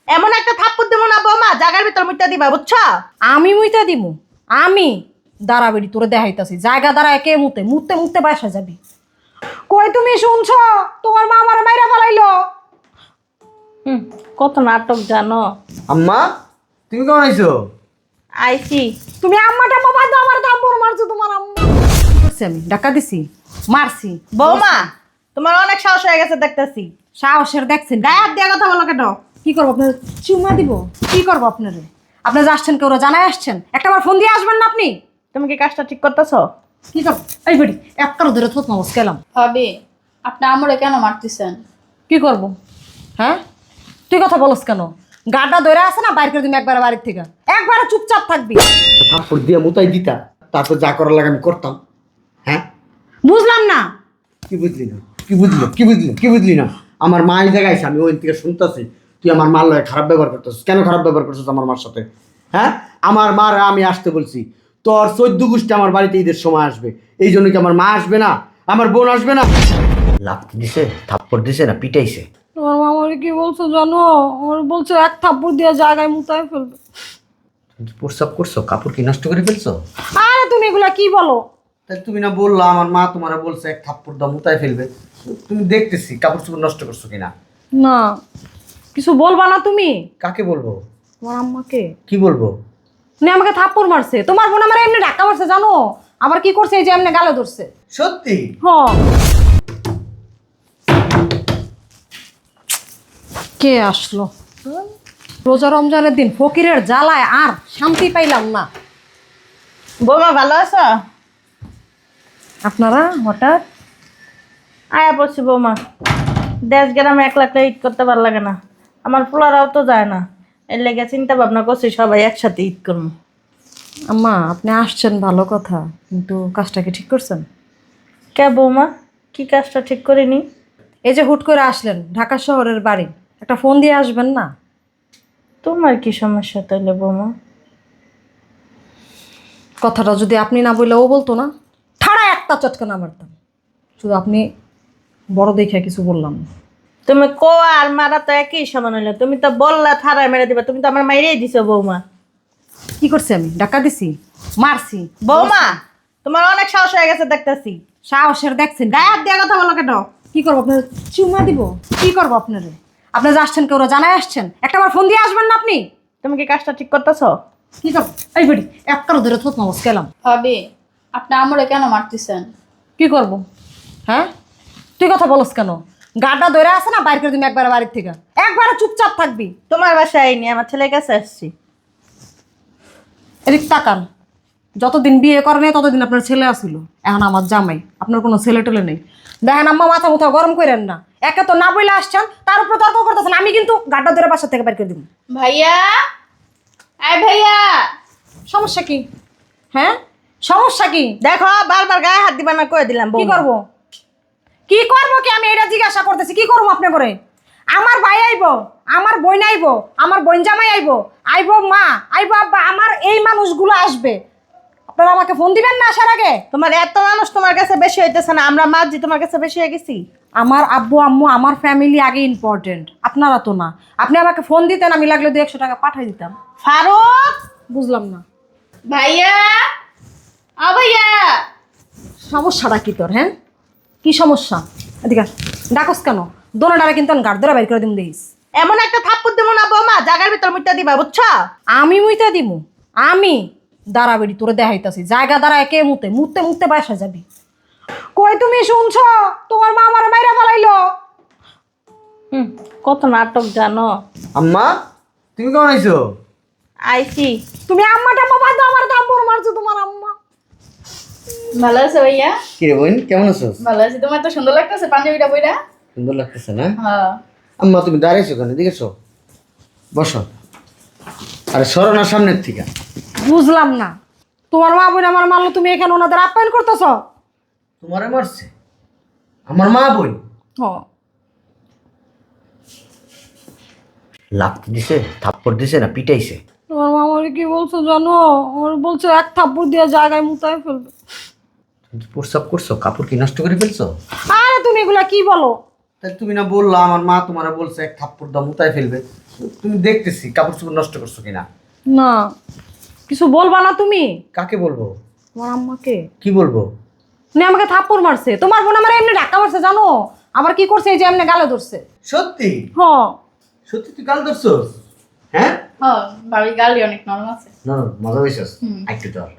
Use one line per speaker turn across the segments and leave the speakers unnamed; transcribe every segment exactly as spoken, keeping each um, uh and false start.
এমন একটা থাপ্পড় দেবো না বৌমা জায়গার ভিতর মুইটা দিবা বুঝছো?
আমি মুইতা দিমু আমি দাঁড়া বেড়ি তোরে দেখাইতাছি জায়গা দাঁড়া একে মুতে মুতে মুতে বাসা যাবি। কই তুমি শুনছো তোমার মা আমার মাইরা ফেলাইলো।
হুম, কত নাটক জানো।
আম্মা তুমি কেমন আইছো?
আইছি।
তুমি আম্মাটা বাবা দাও আমার থাপ্পড় মারছো তোমার আম্মা। কি করছি আমি ডাকা দিছি মারছি
বৌমা তোমার অনেক সাহস হয়ে গেছে দেখতেছি।
সাহসের দেখছেন
গায়ে হাত দিয়ে কথা বলো কেন?
কি করবো আপনার চুমা দিব কি করবো আপনারে আপনি যে আসছেন কেউ জানাই আসছেন একটা বার ফোন দিয়ে আসবেন না আপনি।
তুমি কি কাজটা ঠিক করতেছো?
কি করবো এই বেটি এক কারো ধরে থোত মামস গেলাম।
ভাবি আপনি আমরে কেন মারতেছেন?
কি করব হ্যাঁ তুই কথা বলস কেন? গাড্ডা ধরে আছে না বাইর করে তুমি একবার বাড়ির থেকে একবারে চুপচাপ থাকবি।
থাপ্পড় দিয়ে মুতাই দিতা, তারপর যা করার লাগে আমি করতাম। হ্যাঁ
বুঝলাম না
কি বুঝলি না? কি বুঝলি কি বুঝলি কি বুঝলি না? আমার মা এই জায়গায় আছে, আমি ওই থেকে শুনতেছি তুই আমার মার লয় খারাপ ব্যবহার করতেছিস। কেন খারাপ ব্যবহার করছিস আমার মার সাথে? হ্যাঁ আমার মার আমি আসতে বলছি, তোর চোদ্দ গোষ্ঠী আমার বাড়িতে ঈদের সময় আসবে, এই জন্য কি আমার মা আসবে না? আমার বোন আসবে না? লাফতে দিছে, থাপ্পড় দিছে না পিটাইছে?
তোমার মামারে কি বলছো জানো? আমার বলছো এক থাপ্পড় দিয়ে জায়গায় মুতায় ফেলবে।
প্রস্রাব করছো? কাপড় কি নষ্ট করে ফেলছো?
আরে তুমি এগুলা কি বলো?
তাই তুমি না বললা আমার মা তোমার বলছে এক থাপ্পড় দাও মুতায় ফেলবে? তুমি দেখতেছি কাপড় চোপড় নষ্ট করছো কিনা।
না কিছু বলবা না তুমি?
কাকে বলবো?
তোমার আম্মাকে।
কি বলবো?
উনি আমাকে থাপ্পড় মারছে, তোমার বোন আমার এমনি ধাক্কা মারছে জানো? আবার কি করছে এই যে এমনি গালে ধরছে।
সত্যি?
হ্যাঁ কে আসলো? রোজা রমজানের দিন ফকিরের জ্বালায় আর শান্তি পাইলাম না।
বৌমা ভালো আছো?
আপনারা হঠাৎ
আয়া পড়ছি বৌমা। দেশ গ্রামে একলা একলা ঈদ করতে ভালো লাগে না, আমার পোলারাও তো যায় না, এর লেগে চিন্তা ভাবনা করছি সবাই একসাথে ঈদ করবো।
আম্মা আপনি আসছেন ভালো কথা, কিন্তু কাজটা কি ঠিক করছেন?
কে বৌমা, কি কাজটা ঠিক করিনি?
এই যে হুট করে আসলেন ঢাকা শহরের বাড়ি, একটা ফোন দিয়ে আসবেন না?
তোমার কি সমস্যা তাইলে বৌমা?
কথাটা যদি আপনি না বললে ও বলতো না, ঠাড়া একটা চটকানা মারতাম। শুধু আপনি বড় দেখে কিছু বললাম না।
তুমি কো আর মারা তো একই সমান হইলো, তুমি তো বললা থারায় মেরে দিবা, তুমি তো আমার মাইরেই দিছো বৌমা।
কি করছি আমি? ডাকা দিছি মারছি?
বৌমা তোমার অনেক সাহস হয়ে গেছে দেখতেছি।
সাহসের দেখছেন
গায়ে হাত দিয়ে কথা বলো কেন?
কি করবো আপনার চুমা দিব কি করবো আপনারে? আপনি যে আসছেন কেউ জানাই আসছেন একটা বার ফোন দিয়ে আসবেন না আপনি?
তুমি কি কাজটা ঠিক করতেছো?
কি করবো এই বেটি এক কারো ধরে থোত মামস গেলাম।
ভাবি আপনি আমরে কেন মারতেছেন?
কি করব হ্যাঁ তুই কথা বলস কেন? গাড্ডা ধরে আছে না বাইর করে তুমি একবার বাড়ির থেকে একবারে চুপচাপ থাকবি।
তোমার বাসায় আইনি, আমার ছেলের কাছে আসছি।
এদিক তাকান, যতদিন বিয়ে করে নেই ততদিন আপনার ছেলে আসিল, এখন আমার জামাই, আপনার কোনো ছেলে টেলে নেই। দেখেন আম্মা মাথা মুথা গরম করেন না, একে তো না বইলে আসছেন তার উপরে তর্ক করতেছেন, আমি কিন্তু গাড্ডা ধরে বাসা থেকে বাইর করে দিব।
ভাইয়া আয় ভাইয়া।
সমস্যা কি? হ্যাঁ সমস্যা কি?
দেখো বারবার গায়ে হাত দিবা না কয়ে দিলাম
কি
বৌমা।
করব কি করব কি আমি এটা জিজ্ঞাসা করতেছি, কি করবো আপনি করে? আমার ভাই আইব, আমার বোন আইব, আমার বোন জামাই আইব, আইব মা, আইব আব্বা, আমার এই মানুষগুলো আসবে, আপনারা আমাকে ফোন দিবেন না আসার আগে?
তোমার এত মানুষ তোমার কাছে বেশি হইতেছে না? আমরা মাঝি তোমার কাছে বেশি হয়ে গেছি?
আমার আব্বু আম্মু আমার ফ্যামিলি আগে ইম্পর্টেন্ট, আপনারা তো না। আপনি আমাকে ফোন দিতেন আমি লাগলে দু একশো টাকা পাঠাই দিতাম।
ফারুক
বুঝলাম না
ভাইয়া আ ভাইয়া।
সমস্যাটা কি তোর? হ্যাঁ কি সমস্যা? এদিকে আস। ডাকস কেন? দোনোটারে কিন্তু আমি গাড় ধরে বাইর করে দিম দেখিস।
এমন একটা থাপ্পড় দেবো না বৌমা জায়গার ভিতর মুইটা দিবা বুঝছো?
আমি মুইতা দিমু আমি দাঁড়া বেড়ি তোরে দেখাইতাছি জায়গা দাঁড়া একে মুতে মুতে মুতে বাসা যাবি। কই তুমি শুনছো তোমার মা আমার মাইরা ফেলাইলো।
হুম, কত নাটক জানো।
আম্মা তুমি কেমন আইছো?
আইছি।
তুমি আম্মাটা বাবা দাও আমার থাপ্পড় মারছো তোমার আম্মা।
ভালো আছে ভাইয়া?
কি রে বোন কেমন আছো?
ভালো আছে। তোমার তো সুন্দর লাগতেছে পাঞ্জাবিটা বইরা।
সুন্দর লাগতেছে না?
হ্যাঁ।
আম্মা তুমি দাঁড়াইছো কেন? দেখেছো? বসো। আরে সরো না সামনের থেকে।
বুঝলাম না তোমার মা বোন আমার মারলো, তুমি এখানে ওনাদের আপ্যায়ন করতেছ?
তোমারে মারছে আমার মা বোন?
হ
লাফতে দিছে, থাপ্পড় দিছে না পিটাইছে?
তোমার মা আমার কি বলছো জানো? আমার বলছো এক থাপ্পড় দিয়ে জায়গায় মুতায় ফেলবে।
তুমি প্রস্রাব করছো? কাপড় কি নষ্ট করে ফেলছো?
আরে তুমি এগুলা কি বলো?
তাই তুমি না বললা আমার মা তোমারা বলছে এক থাপ্পড় দাও মুতায় ফেলবে, তুমি দেখতেছি কাপড় চোপড় নষ্ট করছো কিনা।
না কিছু বলবা না তুমি?
কাকে বলবো?
তোমার আম্মাকে।
কি বলবো?
উনি আমাকে থাপ্পড় মারছে, তোমার বোন আমার এমনি ধাক্কা মারছে জানো, আবার কি করছে এই যে এমনি গালে ধরছে।
সত্যি?
হ
সত্যি তুই গাল ধরছস? হ্যাঁ
হ্যাঁ ভাবি গালি অনেক নরম আছে।
না না মজা হয়েছস
হুম।
একটু চল।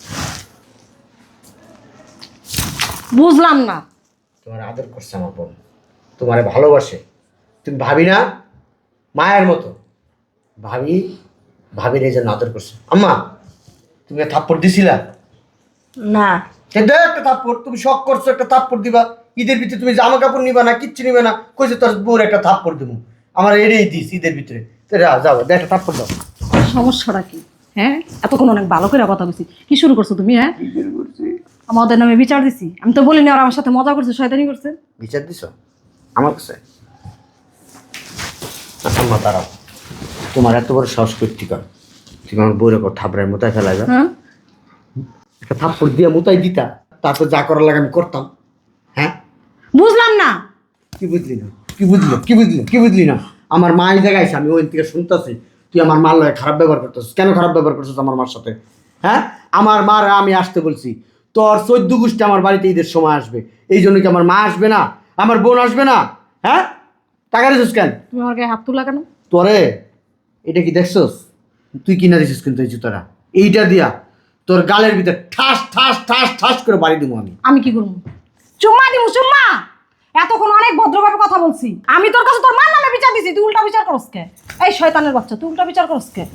বুঝলাম না।
তোমার আদর করছে আমার বোন, তোমারে ভালোবাসে। তুমি ভাবি না মায়ের মতো, ভাবি ভাবির এই জন্য আদর করছে। আম্মা তুমি থাপ্পড় দিছিলা?
না
দে একটা থাপ্পড়, তুমি শখ করছো একটা থাপ্পড় দিবা। ঈদের ভিতরে তুমি জামা কাপড় নিবা না, কিচ্ছু নিবে না, কইছে তোর বউর একটা থাপ্পড় দেবো। আমার এড়িয়ে দিস ঈদের ভিতরে, যাও দে একটা থাপ্পড় দাও।
সমস্যাটা কি? হ্যাঁ এতক্ষণ অনেক ভালো করে কথা বলছি, কি শুরু করছো তুমি? হ্যাঁ আমাদের নামে বিচার দিছি? আমি তো বলিনি আর আমার সাথে মজা করছে, শয়তানি করছে।
বিচার দিছ আমার কাছে? আম্মা দাঁড়াও, তোমার এত বড় সাহস করতে কর, তুমি আমার বউরে কর থাপড়ায় মোতায় ফেলাই যা।
হ্যাঁ
একটা থাপ্পড় দিয়ে মোতায় দিতা, তারপর যা করার লাগে আমি করতাম। হ্যাঁ
বুঝলাম না।
কি বুঝলি না? কি বুঝলি কি বুঝলি কি বুঝলি না? আমার মা এই জায়গায় আছে, আমি ওই থেকে শুনতেছি তুই আমার মার লয় খারাপ ব্যবহার করতেছিস। কেন খারাপ ব্যবহার করছিস আমার মার সাথে? হ্যাঁ আমার মার আমি আসতে বলছি, তোর চোদ্দ গোষ্ঠী আমার বাড়িতে ঈদের সময় আসবে, এই জন্য কি আমার মা আসবে না, আমার বোন আসবে না? হ্যাঁ টাকা দিছিস কেন?
তুমি আমার গায়ে হাত তুলা কেন?
তোরে এটা কি দেখছস? তুই কিনা দিছিস কিন্তু এই জুতোটা, এইটা দিয়া তোর গালের ভিতরে ঠাস ঠাস ঠাস ঠাস করে বাড়ি দেবো আমি।
আমি কি করবো? চুম্মা দিব চুম্মা। এতক্ষণ অনেক ভদ্রভাবে কথা বলছি, আমি তোর কাছে তোর মার নামে বিচার দিছি, তুই উল্টা বিচার করস কে? এই শয়তানের বাচ্চা, তুই উল্টা বিচার করস কে?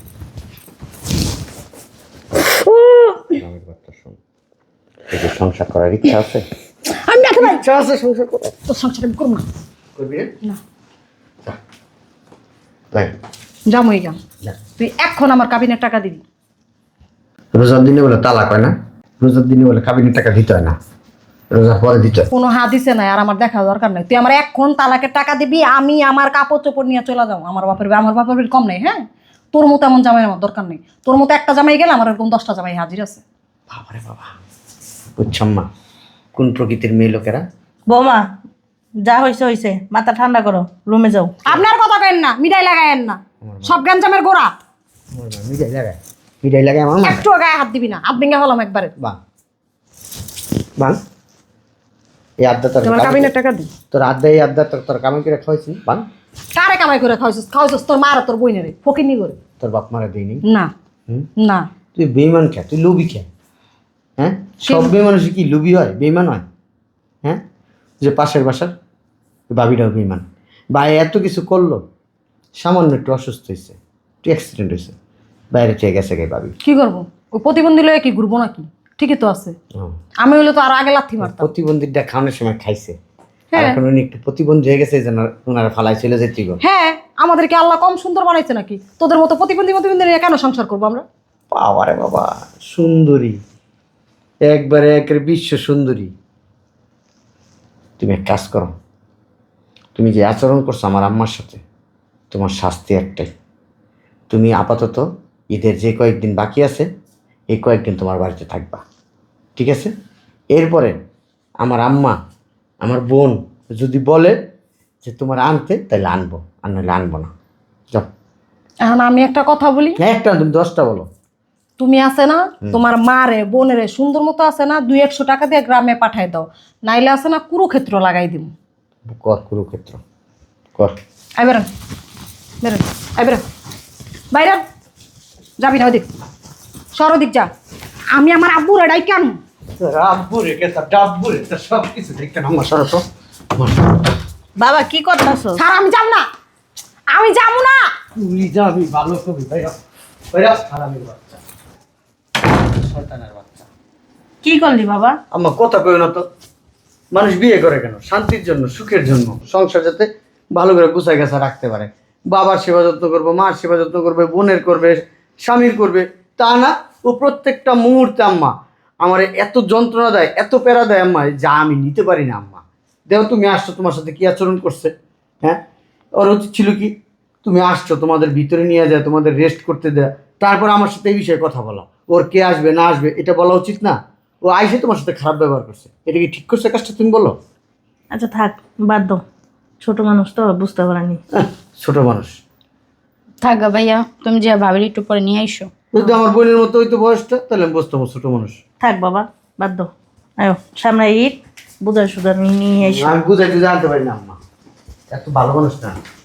সংসার করার ইচ্ছা আছে?
আমি না ভাই
ইচ্ছা আছে সংসার করার?
তোর সংসার আমি করবো না।
করবি
না
না?
যাম হয়ে যাম, তুই এখন আমার কাবিনের টাকা দিবি।
রোজার দিনে বলে তালাক হয় না, রোজার দিনে বলে কাবিনের টাকা দিতে হয় না, রোজার পরে দিতে হয়।
কোনো হাদিসে নাই আর আমার দেখা দরকার নাই। তুই আমার এখন তালাকের টাকা দিবি, আমি আমার কাপড় চোপড় নিয়ে চলে যাও। আমার বাপের বাড়ি- আমার বাপের বাড়ি কম নাই। হ্যাঁ তোর মতো এমন জামাই আমার দরকার নেই। তোর মতো একটা জামাই গেলে আমার এরকম দশটা জামাই হাজির আছে।
বাবারে বাবা, বুঝছম্মা কোন প্রকৃতির মেয়ে লোকেরা।
বৌমা যা হয়েছে হয়েছে, মাথা ঠান্ডা করো, রুমে যাও।
আপনার কথা কেন না, মিঠাই লাগায়েন না, সব গ্যাঞ্জামের গোড়া।
আমার মা মিঠাই লাগায়, মিঠাই লাগায় আমার মা।
একটু গায়ে হাত দিবি না, হাত ভেঙে হলাম একবারে।
বাং বাং এই আড্ডা তোর
তোমার কাবিনের টাকা দি।
তোর আড্ডা, এই আড্ডা তোর তোর কামাই করে খাওয়াইছি। বাং
কারে কামাই করে খাওয়াইছিস? খাওয়াইছিস তোর মার আর তোর বইনেরে, ফকিনি করে।
তোর বাপ মারা দিইনি।
না
হুম
না
তুই বেইমান খা, তুই লোভি খা। হ্যাঁ সব বেইমানুষ কি লোভি হয়, বেইমান হয়? হ্যাঁ যে পাশের বাসার বাবিটাও বেইমান, ভাই এত কিছু করলো, সামান্য একটু অসুস্থ হয়েছে, একটু অ্যাক্সিডেন্ট হয়েছে, বাইরে থেকে গেছে গে বাবি।
কি করবো? ওই প্রতিবন্ধী লয়ে কি ঘুরবো নাকি? ঠিকই তো আছে। আমি হইলে তো আরো আগে লাথি মারতাম।
প্রতিবন্ধীটা খাওয়ানোর সময় খাইছে, আর
হ্যাঁ।
এখন উনি একটু প্রতিবন্ধী হয়ে গেছে, এই জন্য ওনারা ফালাই চলে যেতে গো।
হ্যাঁ আমাদেরকে আল্লাহ কম সুন্দর বানাইছে নাকি? তোদের মতো প্রতিবন্ধী প্রতিবন্ধী নিয়ে কেন সংসার করবো আমরা?
বাবারে বাবা, সুন্দরী একবারে একের বিশ্ব সুন্দরী। তুমি এক কাজ করো, তুমি যে আচরণ করছো আমার আম্মার সাথে, তোমার শাস্তি একটাই, তুমি আপাতত ঈদের যে কয়েকদিন বাকি আছে এই কয়েকদিন তোমার বাড়িতে থাকবা, ঠিক আছে? এরপরে আমার আম্মা আমার বোন যদি বলে যে তোমার আনতে, তাহলে আনবো, আর নাহলে আনবো না। যাও।
এখন আমি একটা কথা বলি,
হ্যাঁ একটা তুমি দশটা বলো।
তুমি আছে না তোমার মারে বোনেরে সুন্দর মতো আছে না, দুই একশো টাকা দিয়ে গ্রামে পাঠাই দাও, নাইলে আছে না কুরুক্ষেত্র লাগাই দিব।
কর কুরুক্ষেত্র কর।
আই বেরোন বেরোন, আই বেরোন বাইরে, যাবি না ওদিক, সর ওদিক যা। আমি আমার আব্বুর এটাই কেন
সব কিছু দেখতে না আমার সরো তো।
বাবা কি করতেছো?
স্যার আমি যাব না, আমি যাবো না।
তুই যাবি ভালো কবি ভাইয়া, ভাইয়া হারামির বাচ্চা, শয়তানের বাচ্চা।
কি করলি বাবা?
আম্মা কথা কই না তো, মানুষ বিয়ে করে কেন? শান্তির জন্য, সুখের জন্য, সংসার যাতে ভালো করে গুছাই গাছা রাখতে পারে। বাবার সেবা যত্ন করবো, মার সেবা যত্ন করবে, বোনের করবে, স্বামীর করবে, তা না ও প্রত্যেকটা মুহূর্তে আম্মা আমার এত যন্ত্রণা দেয়, এত প্যারা দেয় আম্মা, যা আমি নিতে পারি না। আম্মা দেখো তুমি আসছো, তোমার সাথে কি আচরণ করছে? হ্যাঁ ওর উচিত ছিল কি, তুমি আসছো তোমাদের ভিতরে নিয়ে যায়, তোমাদের রেস্ট করতে দেয়, তারপর আমার সাথে এই বিষয়ে কথা বলা। ওর কে আসবে না আসবে এটা বলা উচিত না? ও আইসে তোমার সাথে খারাপ ব্যবহার করছে, এটা কি ঠিক করছে কাজটা? তুমি বলো।
আচ্ছা থাক, বাদ দাও, ছোট মানুষ তো বুঝতে পারেনি।
আহ, ছোট মানুষ।
থাক গা ভাইয়া, তুমি যে ভাবির একটু পরে নিয়ে আইসো।
যদি আমার বোনের মতো হইতো বয়সটা তাহলে আমি বুঝতাম ও ছোট মানুষ।
থাক বাবা, বাদ দাও। আয়ো সামনে ঈদ, বুঝার সুদার নিয়ে এসো।
আমি বুঝাইতে জানতে পারি না আম্মা, এত ভালো মানুষ না।